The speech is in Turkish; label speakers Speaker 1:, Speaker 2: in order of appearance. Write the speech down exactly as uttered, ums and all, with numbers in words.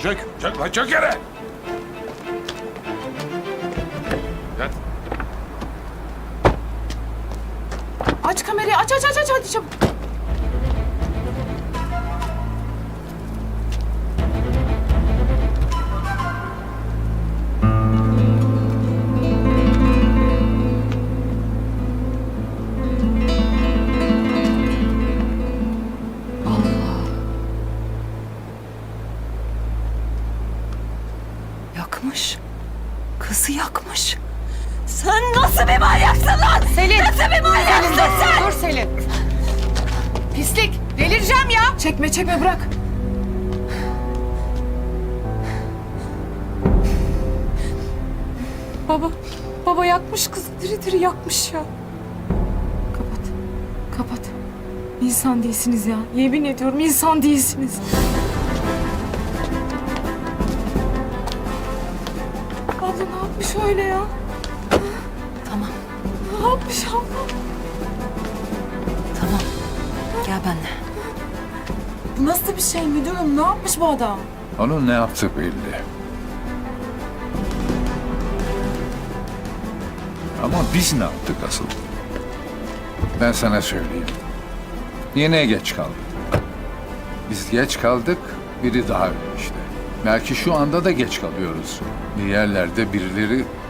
Speaker 1: Çök, çök lan çök yere. Yat.
Speaker 2: Aç kamerayı, aç aç aç aç hadi çabuk.
Speaker 3: Yakmış. Kızı yakmış. Sen nasıl bir manyaksın lan?
Speaker 2: Selin.
Speaker 3: Nasıl bir manyaksın
Speaker 2: Selin,
Speaker 3: sen?
Speaker 2: dur Selin. Pislik, delireceğim ya. Çekme çekme bırak. Baba, baba yakmış kızı, diri diri yakmış ya. Kapat, kapat. İnsan değilsiniz ya. Yemin ediyorum insan değilsiniz. Abla ne yapmış öyle ya?
Speaker 3: Tamam,
Speaker 2: Ne yapmış abla?
Speaker 3: tamam. Gel benimle.
Speaker 2: Bu nasıl bir şey müdürüm? Ne yapmış bu adam?
Speaker 1: Onun ne yaptığı belli. Ama biz ne yaptık asıl? Ben sana söyleyeyim. Yine geç kaldık. Biz geç kaldık, biri daha öldü işte. Belki şu anda da geç kalıyoruz. Bir yerlerde birileri